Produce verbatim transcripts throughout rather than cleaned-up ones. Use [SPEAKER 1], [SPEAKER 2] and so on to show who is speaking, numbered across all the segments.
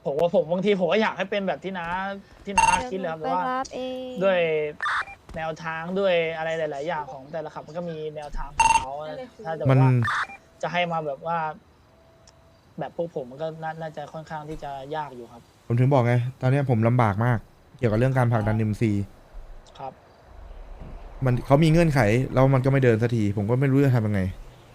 [SPEAKER 1] ผมว่าผมบางทีผมก็อยากให้เป็นแบบที่น้าที่น้าคิดเลยครับ
[SPEAKER 2] ไป
[SPEAKER 1] แต่ว่า
[SPEAKER 2] รับเอง
[SPEAKER 1] ด้วยแนวทางด้วยอะไรหลาย ๆ อย่างของแต่ละขับมันก็มีแนวทางของเขาถ้าจะบ
[SPEAKER 3] มั
[SPEAKER 1] อก
[SPEAKER 3] น
[SPEAKER 1] ว่าจะให้มาแบบว่า แบบพวกผมมันก็น่าน่าจะค่อนข้างที่จะยากอยู่ครับ
[SPEAKER 3] ผมถึงบอกไง ตอนเนี้ยผมลำบากมาก เกี่ยวกับเรื่องการผลักดันเอ็มซี
[SPEAKER 1] ครับ
[SPEAKER 3] มันเขามีเงื่อนไขแล้วมันก็ไม่เดินสักที ผมก็ไม่รู้จะทำยังไง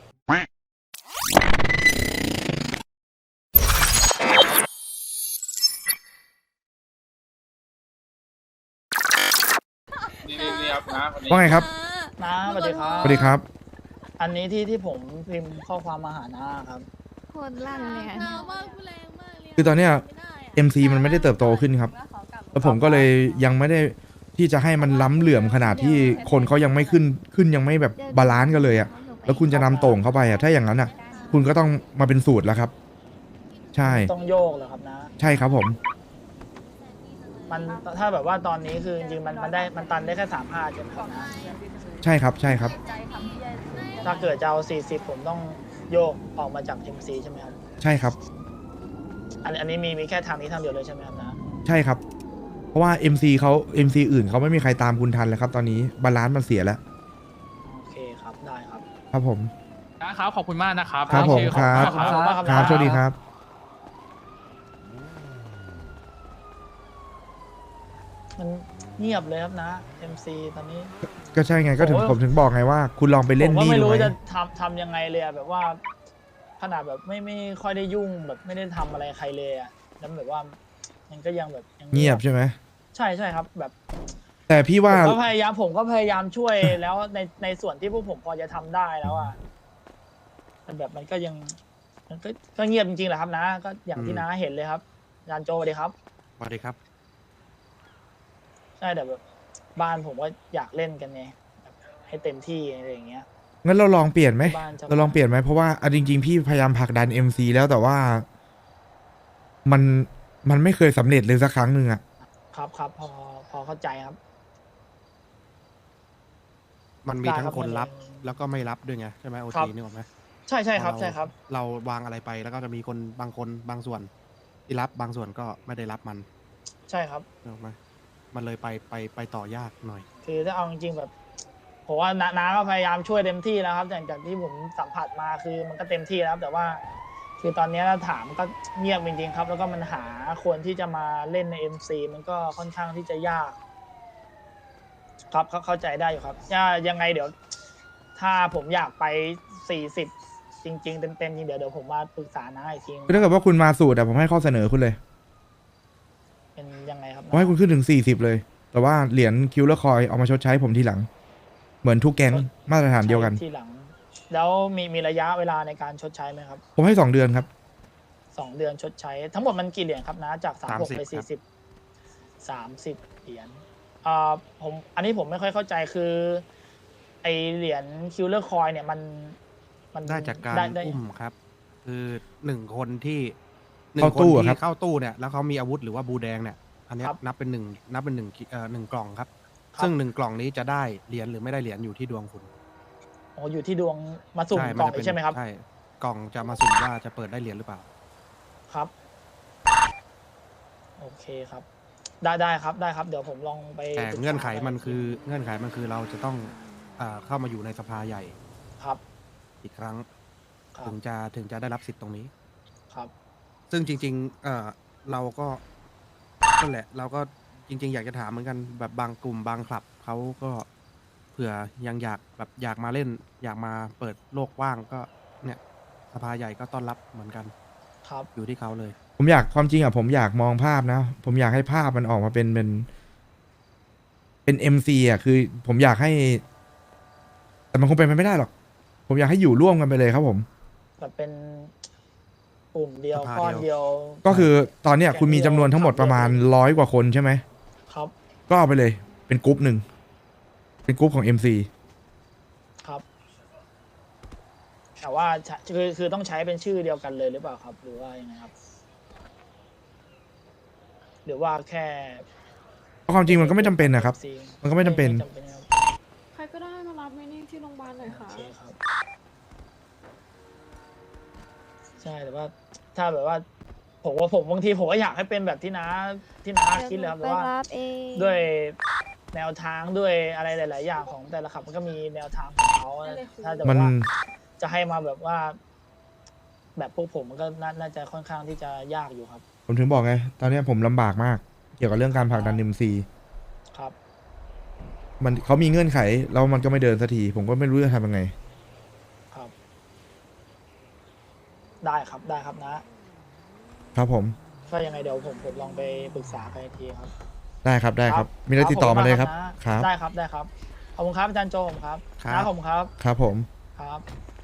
[SPEAKER 4] นี่นี่นี่ครับนะวันนี้
[SPEAKER 3] ว่าไงครับ
[SPEAKER 1] น้าสวัสดีครับ
[SPEAKER 3] สวัสดีครับ
[SPEAKER 1] อันนี้ที่ที่ผมพิมพ์ข้อความมาหาน้าครับ
[SPEAKER 2] โคตรลั่นเลยอะ
[SPEAKER 5] หนาวมากกูแรงมากเลย
[SPEAKER 3] คือตอนเนี้ย
[SPEAKER 5] ไม่ได้ะ
[SPEAKER 3] เอ็ม ซี มันไม่ได้เติบโตขึ้นครับ แล้วผมก็เลยยังไม่ได้ที่จะให้มันล้ำเหลื่อมขนาดที่คนเขายังไม่ขึ้นขึ้นยังไม่แบบบาลานซ์กันเลยอะแล้วคุณจะนำโต่งเข้าไปอะถ้าอย่างนั้นอะคุณก็ต้องมาเป็นสูตรแล้วครับ ใช่
[SPEAKER 1] ต้องโยกเหรอครับนะ
[SPEAKER 3] ใช่ครับผม
[SPEAKER 1] มันถ้าแบบว่าตอนนี้คือจริงๆมันมันได้มันตันได้แค่สามห้าใช่ไหมครับนะ
[SPEAKER 3] ใช่ครับใช่ครับ
[SPEAKER 1] ถ้าเกิดจะเอาสี่สิบผมต้องโยกออกมาจาก เอ็ม ซี ใช่ไหมครับ
[SPEAKER 3] ใช่ครับ
[SPEAKER 1] อันอันนี้มีมีแค่ทางนี้ทางเดียวเลยใช่ไหมครับนะ
[SPEAKER 3] ใช่ครับ เพราะว่า เอ็ม ซี เขา เอ็ม ซี อื่นเขาไม่มีใครตามคุณทันเลยครับ ตอนนี้บาลานซ์มันเสียแล้ว
[SPEAKER 1] โอเคครับได้ครับ
[SPEAKER 3] ครับผม
[SPEAKER 4] นะครับขอบคุณมากนะครับ
[SPEAKER 3] ครับผม
[SPEAKER 4] โอเ
[SPEAKER 3] ครับ
[SPEAKER 4] ขอบคุณมากครับ
[SPEAKER 3] ครับสวัสดีครับ
[SPEAKER 1] มันเงียบเลยครับนะ เอ็ม ซี ตอนนี้
[SPEAKER 3] ก็ใช่ไงก็ถึง
[SPEAKER 1] โอ้ย
[SPEAKER 3] ผมถึงบอกไงว่า คุณลองไปเล่น
[SPEAKER 1] ผมก็
[SPEAKER 3] นี่
[SPEAKER 1] ไม่
[SPEAKER 3] ดู
[SPEAKER 1] รู้
[SPEAKER 3] ไหม
[SPEAKER 1] จะทำทำยังไงเลยอะแบบว่า ขนาดแบบไม่ไม่ค่อยได้ยุ่งแบบไม่ได้ทำอะไรใครเลยอะแล้วแบบว่ามันก็ยังแบบยัง
[SPEAKER 3] เงียบใช่ไหม
[SPEAKER 1] ใช่ใช่ครับ แบบ
[SPEAKER 3] แต่พี่ว่า
[SPEAKER 1] ผมก็พยายามผมก็พยายามช่วย แล้วในในส่วนที่พวกผมพอจะทำได้แล้วอะแต่แบบมันก็ยังมันก็ก็เงียบจริงๆแหละครับนะ ก็อย่างที่น้าเห็นเลยครับอาจารย์โจสวัสดีครับ
[SPEAKER 6] สวัสดีครับ
[SPEAKER 1] ใช่แต่แบบบ้านผมก็อยากเล่นกันไงแบบให้เต็มที่อะไรอย่างเงี้ย
[SPEAKER 3] งั้นเราลองเปลี่ยนไหม
[SPEAKER 1] บ้านจะ
[SPEAKER 3] เราลองเปลี่ยนไหมเพราะว่าอ่ะจริงๆ พี่พยายามผลักดัน เอ็ม ซี แล้วแต่ว่า มันมันไม่เคยสำเร็จเลยสักครั้งหนึ่งอะ
[SPEAKER 1] ครับครับพอพอเข้าใจครับ
[SPEAKER 6] มันมี
[SPEAKER 1] ได้
[SPEAKER 6] ทั้ง
[SPEAKER 1] ครับ
[SPEAKER 6] คนรับ
[SPEAKER 1] มัน
[SPEAKER 6] แล้วก็ไม่รับด้วยไงใช่ไหมโอ
[SPEAKER 1] ครั
[SPEAKER 6] ที
[SPEAKER 1] บ
[SPEAKER 6] นึกออกไหม
[SPEAKER 1] ใช่ใช่ครับ
[SPEAKER 6] พอเา
[SPEAKER 1] ใช่ครับ
[SPEAKER 6] เราวางอะไรไปแล้วก็จะมีคนบางคนบางส่วน ที่รับบางส่วนก็ไม่ได้รับมัน
[SPEAKER 1] ใช่ครับ
[SPEAKER 6] นึกออกไหมมันเลยไปไปไปต่อยากหน่อย
[SPEAKER 1] คือถ้าเอาจริงๆแบบผมว่าน้าน้าก็พยายามช่วยเต็มที่แล้วครับจากจากที่ผมสัมผัสมาคือมันก็เต็มที่แล้วแต่ว่า คือตอนนี้ถ้าถามก็เงียบจริงๆครับ แล้วก็มันหาคนที่จะมาเล่นใน เอ็ม ซี มันก็ค่อนข้างที่จะยาก ครับเข้าเข้าใจได้อยู่ครับถ้ายังไงเดี๋ยว ถ้าผมอยากไปสี่สิบจริง ๆ เต็มๆจริงเดี๋ยวเดี๋ยวผมมาปรึกษาน้าอีกที
[SPEAKER 3] คือถ้าเกิดว่าคุณมาสูตรอะผมให้ข้อเสนอคุณเลย
[SPEAKER 1] เป็นยังไงครับ
[SPEAKER 3] ผมให้คุณขึ้นถึง สี่สิบ เลย แต่ว่าเหรียญคิวเลอร์คอยเอามาชดใช้ผมทีหลัง เหมือนทุกแก๊งมาตรฐานเดียวกัน
[SPEAKER 1] ทีหลัง แล้วมีมีระยะเวลาในการชดใช้ไหมครับ
[SPEAKER 3] ผมให้สองเดือนครับ
[SPEAKER 1] สองเดือนชดใช้ ทั้งหมดมันกี่เหรียญครับนะจากสามหก
[SPEAKER 6] สามสิบ
[SPEAKER 1] ไป
[SPEAKER 6] ครั
[SPEAKER 1] สี่
[SPEAKER 6] บ
[SPEAKER 1] สิบสามสิบเหรียญอ่าผมอันนี้ผมไม่ค่อยเข้าใจคือ ไอเหรียญคิวเลอร์คอยเนี่ยมันมัน
[SPEAKER 6] ได้จากการ
[SPEAKER 1] ได้ได้
[SPEAKER 6] อุ้มครับ คือหนึ่งคนที่หนึ่
[SPEAKER 3] เข้าง
[SPEAKER 6] คน
[SPEAKER 3] ตู้อะครั
[SPEAKER 6] ที่
[SPEAKER 3] บ
[SPEAKER 6] เข้าตู้เนี่ยแล้วเขามีอาวุธหรือว่าบูแดงเนี่ย อันเนี้ย
[SPEAKER 1] ครับ
[SPEAKER 6] นับเป็นหนึ่งนับเป็นหนึ่งเอ่อหนึ่งกล่องครับ
[SPEAKER 1] ครับ
[SPEAKER 6] ซึ่งหนึ่งกล่องนี้จะได้เหรียญหรือไม่ได้เหรียญอยู่ที่ดวงคุณ
[SPEAKER 1] อ๋ออยู่ที่ดวงมาสุ่มกล่อง
[SPEAKER 6] จะ
[SPEAKER 1] อีกใช่ไหมครับ
[SPEAKER 6] ใช่กล่องจะมาสุ่มว่าจะเปิดได้เหรียญหรือเปล่า
[SPEAKER 1] ครับ โอเคครับ ได้ได้ครับได้ครับ เดี๋ยวผมลองไป
[SPEAKER 6] แต่
[SPEAKER 1] ปรึกษา
[SPEAKER 6] เงื่อนไขมันคือเงื่อนไขมันคือเราจะต้องอ่าเข้ามาอยู่ในสภาใหญ่
[SPEAKER 1] ครับ
[SPEAKER 6] อีกครั้ง
[SPEAKER 1] ครับ
[SPEAKER 6] ถึงจะถึงจะได้รับสิทธิ์ตรงนี้
[SPEAKER 1] ครับ
[SPEAKER 6] ซึ่งจริงๆเอ่อเราก็นั่นแหละ เราก็จริง ๆ อยากจะถามเหมือนกันแบบบางกลุ่มบางคลับเขาก็เผื่อยังอยากแบบอยากมาเล่น อยากมาเปิดโลกกว้างก็เนี่ยสภาใหญ่ก็ต้อนรับเหมือนกัน
[SPEAKER 1] ครับ
[SPEAKER 6] อยู่ที่เขาเลย
[SPEAKER 3] ผมอยากความจริงอะผมอยากมองภาพนะ ผมอยากให้ภาพมันออกมาเป็นเป็น เป็น เอ็ม ซี อะคือ ผมอยากให้ แต่มันคงเป็นไปไม่ได้หรอก ผมอยากให้อยู่ร่วมกันไปเลยครับผม
[SPEAKER 1] แบบเป็นกลุ่มเดียว
[SPEAKER 6] สภา
[SPEAKER 1] ก้อน
[SPEAKER 6] เดี
[SPEAKER 1] เดี
[SPEAKER 6] ย
[SPEAKER 1] ยว ว
[SPEAKER 3] ก็คือตอนเนี้ยคุณมีจำนวนทั้งหมดประมาณร้อยกว่าคนใช่ไหม
[SPEAKER 1] ครับ
[SPEAKER 3] ก็เอาไปเลย เป็นกรุ๊ปหนึ่ง เป็นกรุ๊ปของ เอ็ม ซี
[SPEAKER 1] ครับ แต่ว่าใช้คือคือต้องใช้เป็นชื่อเดียวกันเลยหรือเปล่าครับ หรือว่ายังไงครับ หรือว่าแค่
[SPEAKER 3] เพราะความจริงมันก็ไม่จำเป็นนะครับ
[SPEAKER 1] ซี
[SPEAKER 3] มันก็ไม่จำเป็น
[SPEAKER 1] ไม่จำเป็นครับ
[SPEAKER 5] ใครก็ได้มารับไหมนี่ที่โรงพยาบาลหน่อยค่ะ
[SPEAKER 1] โอเคครับ ใช่แต่ว่า ถ้าแบบว่าผมว่าผมบางทีผมก็อยากให้เป็นแบบที่น้าที่น้าคิดเลยครับ
[SPEAKER 2] ไป
[SPEAKER 1] แต่ว่า
[SPEAKER 2] รับเอง
[SPEAKER 1] ด้วยแนวทางด้วยอะไรหลาย ๆ อย่างของแต่ละขับมันก็มีแนวทางของเขาถ้าจะ
[SPEAKER 3] มัน
[SPEAKER 1] ว่าจะให้มาแบบว่า แบบพวกผมมันก็น่าน่าจะค่อนข้างที่จะยากอยู่ครับ
[SPEAKER 3] ผมถึงบอกไง ตอนเนี้ยผมลำบากมาก เกี่ยวกับเรื่องการผลักดันเอ็มซี
[SPEAKER 1] ครับ
[SPEAKER 3] มันเขามีเงื่อนไขแล้วมันก็ไม่เดินสักที ผมก็ไม่รู้จะทำยังไง
[SPEAKER 1] ครับ ได้ครับได้ครับนะ
[SPEAKER 3] ครับผม
[SPEAKER 1] ก็ยังไงเดี๋ยวผมผมลองไปปรึกษากันอีกทีครับ
[SPEAKER 3] ได้ครับได้ครับ มีอะไรติดต่อมาเลยครับ ครับ
[SPEAKER 1] ได้ครับได้ครับขอบคุณครับอาจารย์โจผมครับ
[SPEAKER 6] ครับ
[SPEAKER 1] นะผมครับ
[SPEAKER 3] ครับผม
[SPEAKER 1] ครับ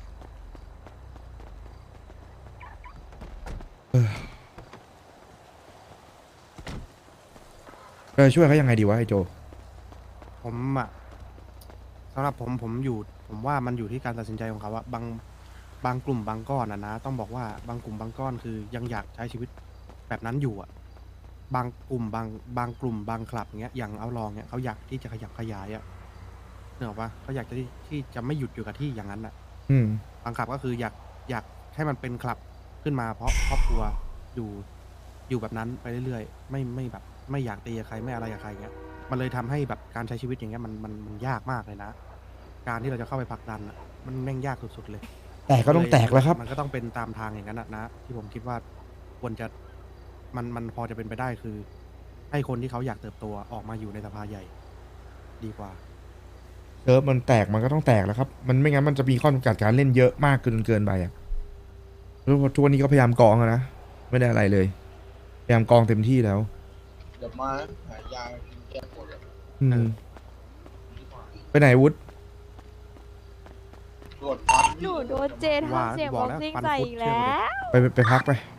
[SPEAKER 3] เออช่วยเขายังไงดีวะไอโจ
[SPEAKER 6] ผมอะสำหรับผมผมอยู่ ผมว่ามันอยู่ที่การตัดสินใจของเขาอะบางบางกลุ่มบางก้อนอะนะ ต้องบอกว่าบางกลุ่มบางก้อนคือยังอยากใช้ชีวิตแบบนั้นอยู่อะบางกลุ่มบางบางกลุ่มบางคลับเงี้ยอย่างเอาลองเงี้ยเขาอยากที่จะขยับขยายอะเนกอะปะเขาอยากจะที่ที่จะไม่หยุดอยู่กับที่อย่างนั้นอะ
[SPEAKER 3] อืม
[SPEAKER 6] บางคลับก็คืออยากอยากให้มันเป็นคลับขึ้นมาเพราะครอบครัวอยู่อยู่แบบนั้นไปเรื่อยๆไม่ไม่แบบไม่อยากตีกับใครไม่อะไรกับใครเงี้ยมันเลยทำให้แบบการใช้ชีวิตอย่างเงี้ยมันมันมันยากมากเลยนะ การที่เราจะเข้าไปผลักดันอะมันแม่งยากสุดๆเลย
[SPEAKER 3] แต่ก็ต้องแตกแล้วครับ
[SPEAKER 6] มันก็ต้องเป็นตามทางอย่างนั้นอะนะ ที่ผมคิดว่าควรจะมันมันพอจะเป็นไปได้คือ ให้คนที่เขาอยากเติบโตออกมาอยู่ในสภาใหญ่ ดีกว่า
[SPEAKER 3] เซิร์ฟมันแตกมันก็ต้องแตกแล้วครับ มันไม่งั้นมันจะมีข้อจำกัดการเล่นเยอะมากเกินเกินไปอ่ะแล้วทุกวันนี้ก็พยายามกองอะนะ ไม่ได้อะไรเลย พยายามกองเต็มที่แล้ว
[SPEAKER 4] เดี๋ยวมาหายากินแก้ปวดเลย
[SPEAKER 3] อืม ไปไหนวุฒ
[SPEAKER 4] ตรวจฟัน
[SPEAKER 2] หนูโดนเจ
[SPEAKER 6] ว่า
[SPEAKER 2] ทำเสียง
[SPEAKER 6] บบ อ
[SPEAKER 2] อก ก
[SPEAKER 6] แล้ว
[SPEAKER 2] ซิ่ง
[SPEAKER 6] ฟัน
[SPEAKER 2] ใส่
[SPEAKER 6] คุด
[SPEAKER 2] อีก
[SPEAKER 6] เชื่อ
[SPEAKER 2] แล้
[SPEAKER 6] ผมดิ
[SPEAKER 2] ว
[SPEAKER 3] ไปไปไปพักไป